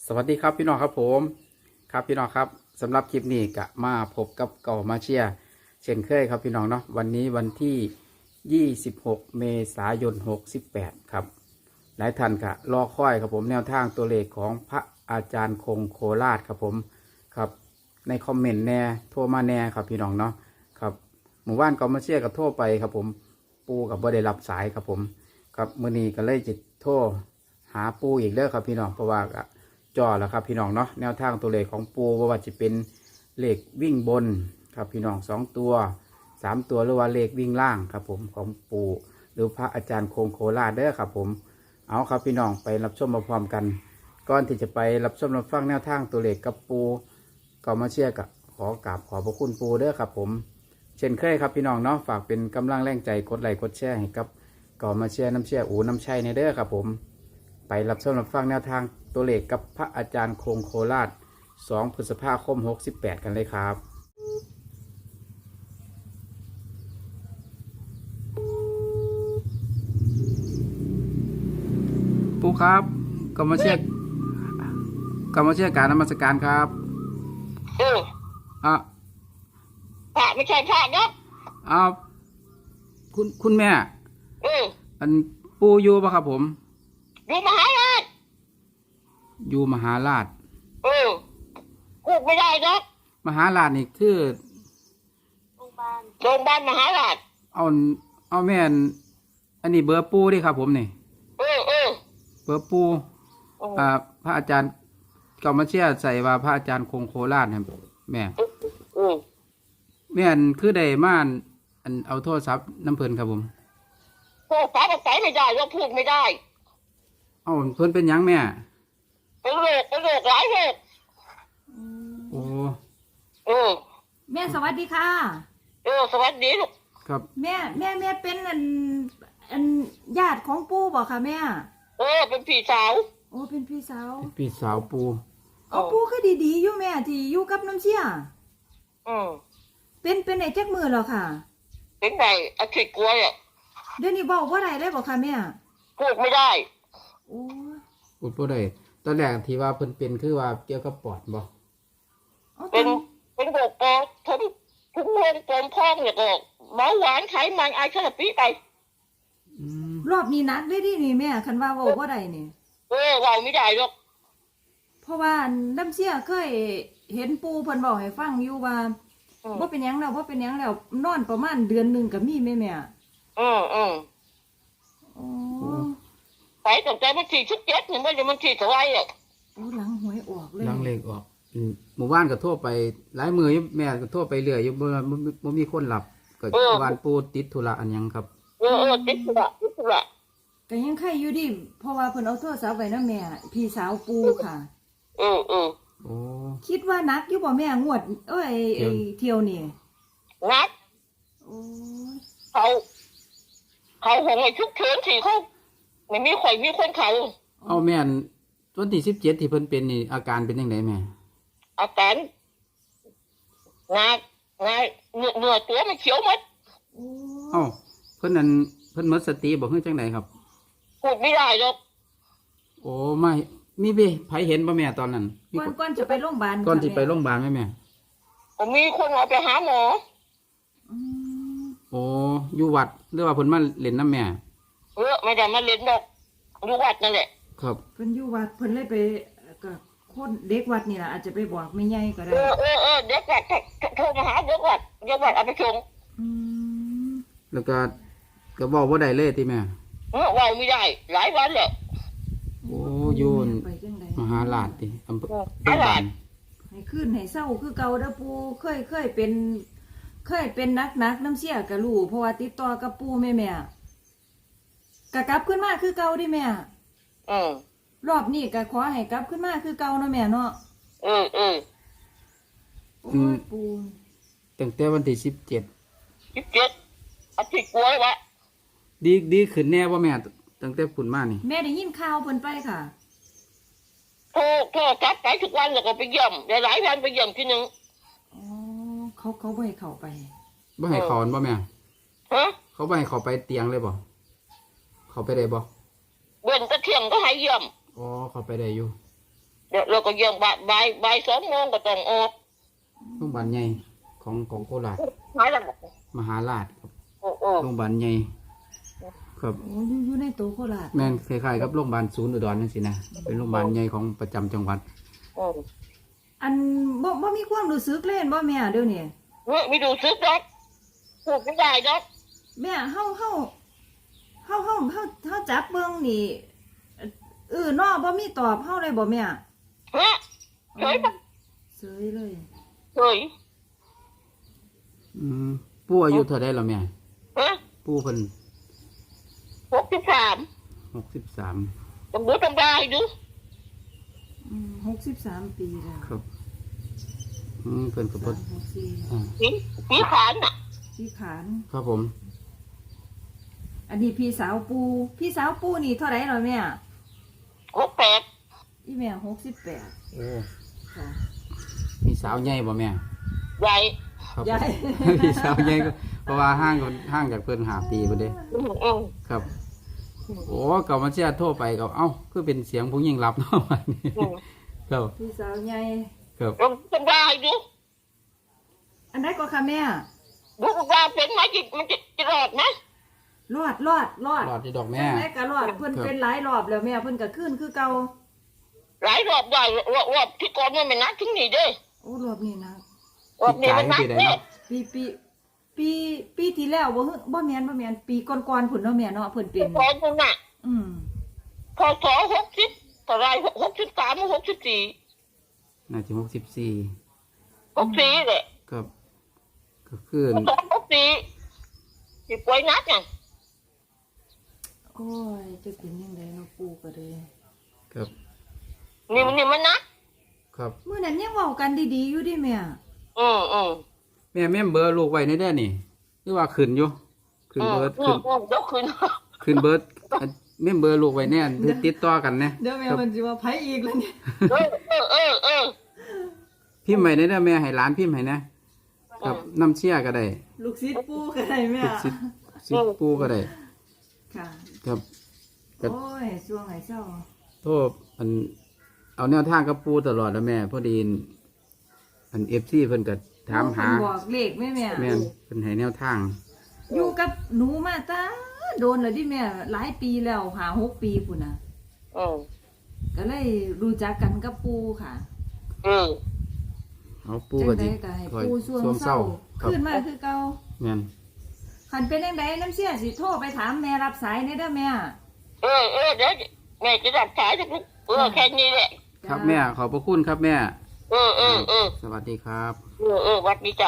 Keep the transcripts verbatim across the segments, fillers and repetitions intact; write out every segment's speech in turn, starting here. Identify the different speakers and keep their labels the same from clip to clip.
Speaker 1: สวัสดีครับพี่น้องครับผมครับพี่น้องครับสำหรับคลิปนี้ก็มาพบกับเก่ามาเชียร์เช่นเคยครับพี่น้องเนาะวันนี้วันที่ยี่สิบหกเมษายนหกสิบแปดครับหลายท่านก็รอคอยครับผมแนวทางตัวเลขของพระอาจารย์คงโคราชครับผมครับในคอมเมนต์แน่โทรมาแน่ครับพี่น้องเนาะครับหมู่บ้านเก่ามาเชียร์ก็โทรไปครับผมปูกับบ่ได้รับสายครับผมครับมื้อนี้ก็เลยจะโทรหาปูอีกเด้อครับพี่น้องเพราะว่าจอแล้วครับพี่น้องเนาะแนวทางตัวเลขของปูว่าจะเป็นเลขวิ่งบนครับพี่น้องสองตัวสามตัวหรือว่าเลขวิ่งล่างครับผมของปูหรือพระอาจารย์คงโคราชเด้อครับผมเอาครับพี่น้องไปรับชมมาพร้อมกันก่อนที่จะไปรับชมรับฟังแนวทางตัวเลขกับปูก็มาเชื่อกับขอกราบขอบพระคุณปูเด้อครับผมเช่นเคยครับพี่น้องเนาะฝากเป็นกำลังแรงใจกดไลค์กดแชร์ให้กับก็มาเชื่อน้ำเชื่ออูน้ำชัยในเด้อครับผมไปรับชมรับฟังแนวทางตัวเลขกับพระอาจารย์คงโคราชสองพฤษภาคมหกสิบแปดกันเลยครับปูครับก็มาเชื่อก็มาเชื่อการนมัสการครับ
Speaker 2: เออ
Speaker 1: อ่ะ
Speaker 2: พระไม่ใช่พระเนาะ
Speaker 1: อ้าวคุณคุณแม่
Speaker 2: เออ
Speaker 1: อันปูอยู่ปะครับผม
Speaker 2: อยู่มหาราช
Speaker 1: อยู่มหาราช
Speaker 2: เออพูดไม่ได้เนาะ
Speaker 1: มหาราชนี่คือ
Speaker 2: โรงพยาบาลโรงพยาบาลมหาราช
Speaker 1: เอาเอาแม่นอันนี้เบอร์ปูดิครับผมนี่
Speaker 2: เออเออ
Speaker 1: เบอร์ปูอ่าพระอาจารย์ก็มาเชื่อใส่ว่าพระอาจารย์คงโคราชครับแม่
Speaker 2: เออ
Speaker 1: แม่นคือได้ม่านอันเอาโทรศัพท์น้ำเพลินครับผม
Speaker 2: โทรศัพท์ใส่ไม่ได้เราพูดไม่ได้
Speaker 1: เอาเพิ่นเป็นยังแม่
Speaker 2: เป็นโรคเป็นโรคหลายโรค
Speaker 1: โอ้
Speaker 2: เออ
Speaker 3: แม่สวัสดีค่ะ
Speaker 2: เออสวัสดีลูก
Speaker 1: ครับ
Speaker 3: แม่แม่แม่เป็นอันอันญาติของปู่บ่ค่ะแม่
Speaker 2: เออเป็นพี่สาว
Speaker 3: โอ้เป็นพี่สาว
Speaker 1: พี่สาวปู
Speaker 3: อ๋อปู่คือดีๆอยู่แม่ที่อยู่กับน้ำเชี่ย
Speaker 2: อืม
Speaker 3: เป็นเป็นไอ้จักมือเหรอค่ะ
Speaker 2: เป็นไงอาทิตย์กลัวอ่ะ
Speaker 3: เดี๋ยวนี้บอกว่าไรได้บ่ค่ะแม่
Speaker 2: พูดไม่ได้
Speaker 3: โอ้
Speaker 1: พูดบ่ได้ตอนแรกที่ว่าเพิ่นเป็นคือว่าเกี่ยวกับปอดบ่
Speaker 2: เป็นเป็นโรคปอดทั้งทั้งโรคปอดพองเนี่ยก็เบาหวานไขมันไอคาราปีไป
Speaker 3: รอบนี้นักได้ดินี่แม่คันว่าบอกว่าไรนี่
Speaker 2: เออเราไม่ได้หรอก
Speaker 3: เพราะว่าน้ำเชี่ยเคยเห็นปู่เพิ่นบอกให้ฟังอยู่ว่าว่าเป็นยังแล้วว่าเป็นยังแล้วนอนประมาณเดือนหนึ่งกับมีแม่แม่
Speaker 2: อืมอืม
Speaker 3: โอ้
Speaker 2: ไปตั้งแต่มันที่สิบเจ็ดเนี่ยมันจะมันที่เท่าไรอ่ะ
Speaker 3: โอ้หลังหวยออกเลย
Speaker 1: หลังเลขออกหมู่บ้านก็ทั่วไปหลายมือแม่ก็ทั่วไปเรื่อยอยู่บ่บ่มีคนหลับก็บ้านปูติดธุระอันยังครับ
Speaker 2: เออเออติดธุระติดธุระ
Speaker 3: แต่ยังใครอยู่ดิเพราะว่าเพิ่นเอาโทรศัพท์ไว้นะแม่พี่สาวปูค่ะ
Speaker 2: เออเออ
Speaker 1: โอ้
Speaker 3: คิดว่านักอยู่บ่แม่งวดเอ้ยไอ้เที่ยวนี่
Speaker 2: นัก
Speaker 3: โอ้
Speaker 2: เขาเขาหงไอ้ชุกเฉินสิเขาไม่มีข่อยมีคนเขา
Speaker 1: เอาแม่นวันที่สิบเจ็ดที่เพิ่นเป็นนี่อาการเป็นยังไงแม่
Speaker 2: อาการงา งาเนื้อเนื้อตัวมันเขียวหมด
Speaker 1: เอ้าเพิ่นนั่นเพิ่นหมดสติบ่คือจังไดครับ
Speaker 2: พูดไม่ได้หรอก
Speaker 1: โอ้ไม่มีเบ้ไผเห็นบ่แม่ตอนนั้น
Speaker 3: ก่อนก่อนจะไปโรงพยาบาล
Speaker 1: ก่อนที่ไปโรงพยาบาลไหมแม่
Speaker 2: ผมมีคนเอาไปหาหมอ
Speaker 1: โอ้อยู่วัดหรือว่าเพิ่นมาเล่นน้ำแม่
Speaker 2: เออไม่ได้มาเล่นดอกอยู่วัดนั่นแหละ
Speaker 1: ครับ
Speaker 3: เพิ่นอยู่วัดเพิ่นเลยไปกับคนเด็กวัดนี่ล่ะอาจจะไปบอกแม่ใหญ่ก็ได้
Speaker 2: เออเออเออเด็กวัดโทรมาหาเด็กวัดเด็กวัดเอาไปส่ง
Speaker 1: แล้วก็ก็บอกว่าได้เลยติแม่
Speaker 2: เออว่าไม่ได้หลายวันแล้ว
Speaker 1: โอ้ยูนมหาราชติอำเภอมหาราช
Speaker 3: ให้ขึ้นให้เศร้าคือเก่าเด้อปู่เคยเคยเป็นเคยเป็นนักนักน้ำเชี่ยกับลูกเพราะว่าติดต่อกับปู่แม่แม่กะกลับขึ้นมาคือเก่าดิแม่
Speaker 2: เออ
Speaker 3: รอบนี้กะขอให้กลับขึ้นมาคือเก่าเนาะแม่เนาะ
Speaker 2: เออเออ
Speaker 3: โอ้ยปู่
Speaker 1: ตั้งแต่วันที่สิบเจ็ด
Speaker 2: สิบเจ็ดอาทิตย์กลัววะ
Speaker 1: ดีดีขึ้นแน่ว่าแม่ตั้งแต่ฝุ่นมานี่
Speaker 3: แม่ได้ยินข่าวเพิ่นไปค่ะ
Speaker 2: โทรโทรกลับไปทุกวันแล้วก็ไปเยี่ยมหลายวันไปเยี่ยมทีนึง
Speaker 3: อ๋อเขาเขาบ่ให้เข้าไป
Speaker 1: บ่ให้เขาบ่แม่
Speaker 2: ฮะ
Speaker 1: เขาบ่ให้เขาไปเตียงเลยบ่เขาไปได้บ่
Speaker 2: เว้นแต่เที่ยงก็ให้เยี่ยม
Speaker 1: อ๋อเขาไปได้อยู่
Speaker 2: เเดี๋ยวเราก็ยังบ่ายบ่ายบ่ายสองโมงก็ต้องออก
Speaker 1: โรงพยาบาลใหญ่ของของโคราช
Speaker 2: หายแล้ว
Speaker 1: มหาราชครับ
Speaker 2: โอ้โอ้
Speaker 1: โรงพยาบาลใหญ่ครับ
Speaker 3: โอ้อยู่อยู่ในตัวโคราช
Speaker 1: แม่นคล้ายๆกับโรงพยาบาลศูนย์อุดรนั่นสินะเป็นโรงพยาบาลใหญ่ของประจำจังหวัด
Speaker 2: โอ้
Speaker 3: อันบ่บ่มีความรู้สึกเล่นบ่แม่เดี๋ยวนี้
Speaker 2: เฮ้ยไม่ดูซึกดอกพูดไม่ได้ดอก
Speaker 3: แม่เฮาเฮาเฮาเฮาเฮาเฮาจับเบิ่งนี่เออน้อบ่มีตอบเฮาเลยบ่แม่
Speaker 2: ฮะเฉยปะ
Speaker 3: เสยเลย
Speaker 2: เฉย
Speaker 1: อืมปู่อายุเท่าไดแล้วแม่
Speaker 2: ฮะ
Speaker 1: ปู่เพิ่น
Speaker 2: หกสิบสาม
Speaker 1: หกสิบสาม
Speaker 2: ต้องดูต้องได้ดู
Speaker 3: อืมหกสิบสามปีแล้ว
Speaker 1: ครับอืมเพิ่นก็บ่
Speaker 3: สามหกสี่
Speaker 1: อ่า
Speaker 2: สีสีขานน่ะ
Speaker 3: พี่ขาน
Speaker 1: ครับผม
Speaker 3: อันนี้พี่สาวปูพี่สาวปูนี่เท่าไหร่เหรอแม่
Speaker 2: หกแปด
Speaker 3: อีแม่หกสิบแปด
Speaker 1: โอ้
Speaker 3: ค่ะ
Speaker 1: มีสาวใหญ่บ่แม่
Speaker 2: ใหญ่
Speaker 1: ครับผม
Speaker 3: ใหญ่
Speaker 1: มีสาวใหญ่ก็เพราะว่าห่างกันห่างจากเพิ่นห้าปีพุ่นเด้
Speaker 2: อืมอืม
Speaker 1: ครับ โอ้เก่ามาเชียร์โทรไปก็เอ้าคือเป็นเสียงผู้หญิงรับเนาะวันนี้
Speaker 2: อืม
Speaker 1: ครับ
Speaker 3: พี่สาวใหญ่
Speaker 1: ครับ
Speaker 2: ต้องต้องได้ดู
Speaker 3: อันไหนก็ค่ะแม่
Speaker 2: ดูว่าเป็นไหมจิมันจะจะรอดไหม
Speaker 3: รอดรอดรอด
Speaker 1: รอดที่ดอกแม่
Speaker 3: จังไหนก็รอดเพิ่นเป็นหลายรอบแล้วแม่เพิ่นก็ขึ้นคือเก่า
Speaker 2: หลายรอบได้รอบรอบที่ก่อนมันไม่นัดถึงนี่เด้
Speaker 3: โอ้รอบนี้นะ
Speaker 2: รอบนี้มันนัด
Speaker 1: ปีกาย
Speaker 2: เด้
Speaker 1: ปีใดเนาะ
Speaker 3: ปีปีปีปีที่แล้วบ่ฮึบ่แม่นบ่แม่นปีก่อนๆพุ่นเนาะแม่เนาะเพิ่นเป็น
Speaker 2: ก่อนมันน่ะ
Speaker 3: อืม
Speaker 2: พอสอหกสิบเท่าไรหกสิบสามหกสิบสี่
Speaker 1: น่าจะหกสิบสี่
Speaker 2: หกสี่เลย
Speaker 1: ครับก็คือ
Speaker 2: สองหกสี่สิบป่วยนัดไง
Speaker 3: โอ้ยจะเป็นยังไงเนาะปู่ก็เลย
Speaker 1: ครับ
Speaker 2: นี่มันนี่มันนัด
Speaker 1: ครับ
Speaker 3: มื้อนั้นยังเว้ากันดีๆอยู่ดิแม่
Speaker 2: อืมอืม
Speaker 1: แม่แม่มเบอร์ลูกไว้ในเด้อนี่หรือว่าขึ้นอยู่ขึ้น
Speaker 2: อืม
Speaker 1: เบิร์ด
Speaker 2: อื
Speaker 1: ขึ้
Speaker 2: ม
Speaker 1: น
Speaker 2: อืมเดี๋ยวคืน
Speaker 1: ขึ้นเบิร์ดอันแม่มเบอร์ลูกไว้แน่ติดต่อกันนะ
Speaker 3: เดี๋ยวแม่
Speaker 1: ครับ
Speaker 3: มันสิว่าไผอีกแล้วเนี่ย
Speaker 2: เออเออเออเออ
Speaker 1: พิมพ์ไว้ในเด้อแม่ให้หลานพิมพ์ให้นะครับน้ำเชี่ยก็ได้
Speaker 3: ลูกศิษย์ปู่ก็ได้แม่
Speaker 1: ลูกศิษย์ศิษย์ปู่ก็ได้
Speaker 3: ค่ะ
Speaker 1: ครับ ครับ
Speaker 3: โอ้ยช่วงไหนเศร้า
Speaker 1: โทษอันเอาแนวทางกับปู่ตลอดแล้วแม่พอดีอัน เอฟ ซี เพิ่นก็ถามหา
Speaker 3: เพิ่นบอกเลขแม่แม่
Speaker 1: แม่นเพิ่นให้แนวทาง
Speaker 3: อยู่กับหนูมาตาโดนแล้วดิแม่หลายปีแล้วหาหกปีพุ่นน่ะ
Speaker 2: อืม
Speaker 3: ก็เลยรู้จักกันกับปู่ค่ะ
Speaker 2: อืม
Speaker 1: เอาปู่
Speaker 3: จัง
Speaker 1: ก็
Speaker 3: ได
Speaker 1: สิ
Speaker 3: ก็ให้
Speaker 1: คอย
Speaker 3: ปู่ช่วง
Speaker 1: ช่วง
Speaker 3: เศ
Speaker 1: เศ
Speaker 3: ร้า
Speaker 1: ร้าครับ
Speaker 3: ขึ้นมาคือเก่า
Speaker 1: แม่น
Speaker 3: คันเป็นจังไดน้ำเสียสิโทรไปถามแม่รับสายในเด้อแม่
Speaker 2: เออเออเดี๋ยวแม่จะดับสายทุกเออแค่นี้แหละ
Speaker 1: ครับแม่ขอบพระคุณครับแม่
Speaker 2: เออเออเออ
Speaker 1: สวัสดีครับ
Speaker 2: เออเออวัดนี้จ้ะ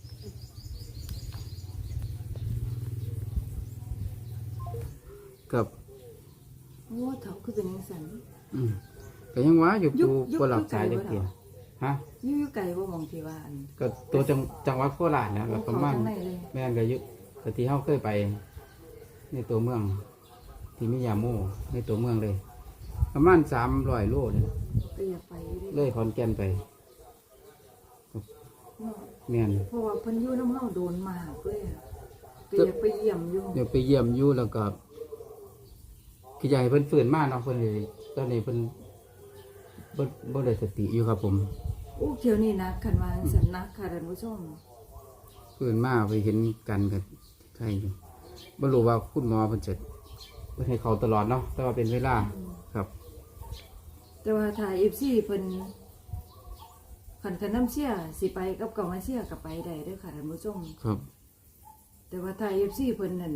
Speaker 1: กับ
Speaker 3: โอ้เฒ่าคือเป็นจังซั่น
Speaker 1: อืมก็ยังว่าอยู่
Speaker 3: ยุ
Speaker 1: ปู
Speaker 3: คยุค
Speaker 1: บ่หลับสาย
Speaker 3: ยุ
Speaker 1: จั
Speaker 3: ค
Speaker 1: ก
Speaker 3: ไกล
Speaker 1: เดียว
Speaker 3: บ่
Speaker 1: ฮะ
Speaker 3: อยู่อยู่ไกลบ่หมองที่ว่าอัน
Speaker 1: ก็ตัวจังจังหวัดโคราชนะแล้วประมาณ
Speaker 3: เข้าทางไหนเลย
Speaker 1: แม่นก็อยู่ก็ที่เฮาเคยไป ในตัวเมือง ที่มิยาโมในตัวเมืองเลย ประมาณสามร้อยโลเลย
Speaker 3: ก็อยากไปอยู่
Speaker 1: เล
Speaker 3: ดิ
Speaker 1: ยขอนแก่นไป
Speaker 3: เนาะ
Speaker 1: แม่น
Speaker 3: เพราะว่าเพิ่นอยู่น้ำเฮาโดนมากเลยอะก็อยากไปเยี่ยมอยู่
Speaker 1: เดี๋ยวไปเยี่ยมอยู่แล้วก็คืออยากให้เพิ่นฟื้นมาเนาะเพิ่นเลยตอนนี้เพิ่นบ่บ่ได้สติอยู่ครับผม
Speaker 3: อู้เที่ยวนี้นะคันว่าจังซั่นนะค่ะท่านผู้ชม
Speaker 1: ฟื้นมาไปเห็นกันกับใครอยู่บ่รู้ว่าคุณหมอเพิ่นจะเพิ่นให้เขาตลอดเนาะแต่ว่าเป็นเวลาครับ
Speaker 3: แต่ว่าถ้า เอฟ ซี เพิ่นคันคันน้ำเสียสิไปกับเก่ามาเสียก็ไปได้เด้อค่ะท่านผู้ชม
Speaker 1: ครับ
Speaker 3: แต่ว่าถ้า เอฟ ซี เพิ่นนั่น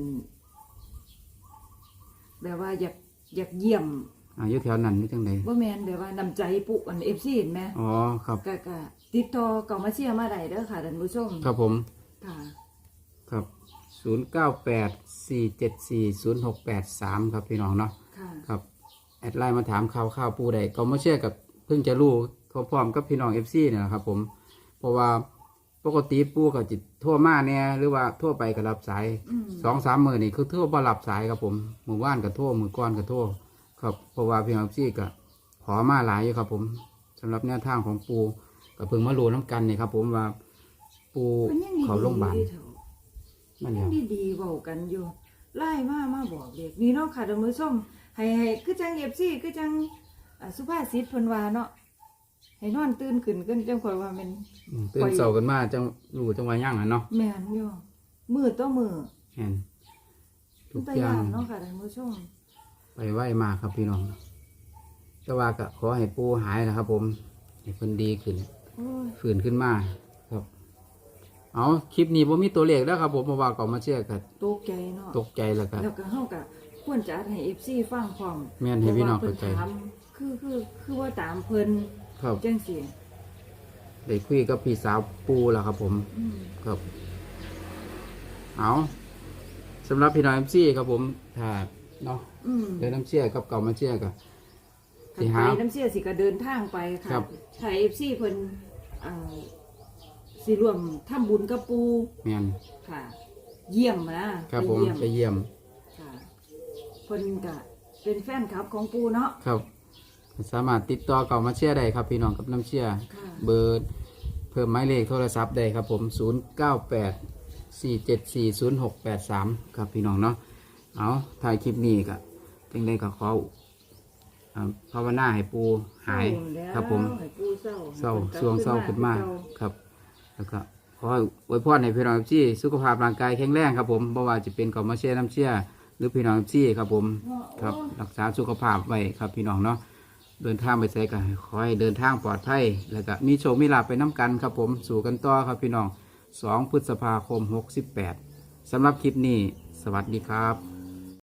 Speaker 3: แบบว่าอยากอยากเยี่ยม
Speaker 1: อ่าอยู่แถวนั้นนี่จังได
Speaker 3: บ่แม่นแบบว่านำใจปุอัน เอฟ ซี เห็นไหม
Speaker 1: อ๋อครับ
Speaker 3: ก็ก็ติดต่อเก่ามาเสียมาได้เด้อค่ะท่านผู้ชม
Speaker 1: ครับผม
Speaker 3: ค่ะ
Speaker 1: ครับศูนย์เก้าแปดสี่เจ็ดสี่ศูนย์หกแปดสามครับพี่น้องเนาะ
Speaker 3: ค่ะ
Speaker 1: ครับแอดไลน์มาถามข่าวข่าวปูใดก็มาเชื่อกับเพิ่งจะรู้พร้อมๆกับพี่น้องเอฟซีเนี่ยนะครับผมเพราะว่าปกติปูก็จิตทั่วมาเนี่ยหรือว่าทั่วไปก็รับสาย
Speaker 3: อืม
Speaker 1: สองสามมือนี่คือทั่วบ่รับสายครับผมมือว่านกับทั่วมือก้อนกับทั่วครับเพราะว่าพี่น้องเอฟซีก็ขอมาหลายอยู่ครับผมสำหรับแนวทางของปูก็เพิ่งมารู้น้ำกันนี่ครับผมว่าปู
Speaker 3: มันยังดี
Speaker 1: เขาโรงพยาบาล
Speaker 3: ดีเถอะ
Speaker 1: นั่น
Speaker 3: ยั
Speaker 1: เนี่
Speaker 3: ง
Speaker 1: ย
Speaker 3: ดีๆเว้ากันอยู่ไล่มามาบอกเด็กนี่เนาะค่ะท่านผู้ชมให้ให้คือจัง เอฟ ซี คือจังอ่าสุภาษิตเพิ่นว่าเนาะให้นอนตื่นขึ้นกันจังค่อยว่าแมัน
Speaker 1: อืมตื่นเช้ากันมาจังรู้จังว่าย่างอ่ะเนาะ
Speaker 3: แม่นอยู่มือต่อมือ
Speaker 1: แม่นทุก
Speaker 3: แต่
Speaker 1: อย่า
Speaker 3: ย่าง งเนาะค่ะท่านผู้ชม
Speaker 1: ไปไหวมากครับพี่น้องแต่ว่าก็ขอให้ปูหายนะครับ ผมให้เพิ่นดีขึ้น
Speaker 3: โอ้ย
Speaker 1: ฝืนขึ้นมาครับ เอาคลิปนี้ผมมีตัวเลขแล้วครับ ผมเพราะว่าก่อนมาเชื่อกัน
Speaker 3: ตกใจเนาะ
Speaker 1: ตกใจแล้วครับ
Speaker 3: แล้วก็เฮาก็ควรจะอัดให้ เอฟ ซี ฟังพร้อม
Speaker 1: แม่นให้พี่น้อง
Speaker 3: พระว่
Speaker 1: เข้าใจ
Speaker 3: พิ่ถามคือคือคือว่าตามเพิ่น
Speaker 1: ครับ
Speaker 3: จังซี่
Speaker 1: ได้คุยกับพี่สาวปูแล้วครับ ผม
Speaker 3: อืม
Speaker 1: ครับ เอาสำหรับพี่น้องเอ็มซีครับผมถ้าเนาะ
Speaker 3: อืม
Speaker 1: เดินน้ำเชื่อกับเก่ามาเชื่อกับ
Speaker 3: คัน
Speaker 1: สิ
Speaker 3: ไป
Speaker 1: หา
Speaker 3: น้ำเสียสิก็เดินทางไปค่ะ
Speaker 1: ครับ
Speaker 3: ถ้า เอฟ ซี เพิ่นเอ่อสิร่วมทำบุญกับปู
Speaker 1: แม่น
Speaker 3: ค่ะ เยี่ยมนะครับ
Speaker 1: ผม
Speaker 3: ไปเยี่ยม
Speaker 1: ไปเยี่ยม
Speaker 3: ค่ะเพิ่นก็เป็นแฟนคลับของปูเนาะ
Speaker 1: ครับ สามารถติดต่อเก่ามาเชื่อได้ครับ พี่น้องกับน้ำเชื่อ
Speaker 3: ค่ะ
Speaker 1: เบอร์เพิ่มหมายเลขโทรศัพท์ได้ครับ ผมศูนย์เก้าแปดสี่เจ็ดสี่ศูนย์หกแปดสามครับพี่น้องเนาะเอาถ่ายคลิปนี้ก็จึงได้ก็ขออ่าภาวนาให้ปูหาย
Speaker 3: เศร้แล้ว
Speaker 1: ครับ ผม
Speaker 3: ให้ปูเศร้า
Speaker 1: เศร้า
Speaker 3: ให้
Speaker 1: ช่วง
Speaker 3: พิ่น
Speaker 1: เศร้าก
Speaker 3: ลั
Speaker 1: ขึ้
Speaker 3: บ
Speaker 1: นมา
Speaker 3: เก่
Speaker 1: ครับ แล้วก็ขอให้อวยพรให้พี่น้องที่สุขภาพร่างกายแข็งแรงครับ ผมบ่ว่าจะเป็นกอมาเชียน้ำเชี่ยหรือพี่น้องที่ครับผมครับรักษาสุขภาพไว้ครับพี่น้องเนาะเดินทางไปไสกันขอให้เดินทางปลอดภัยแล้วก็มีโชคมีลาภไปน้ำกันครับ ผมสู่กันต่อครับพี่น้องสองพฤษภาคมหกสิบแปดสำหรับคลิปนี้สวัสดีครับ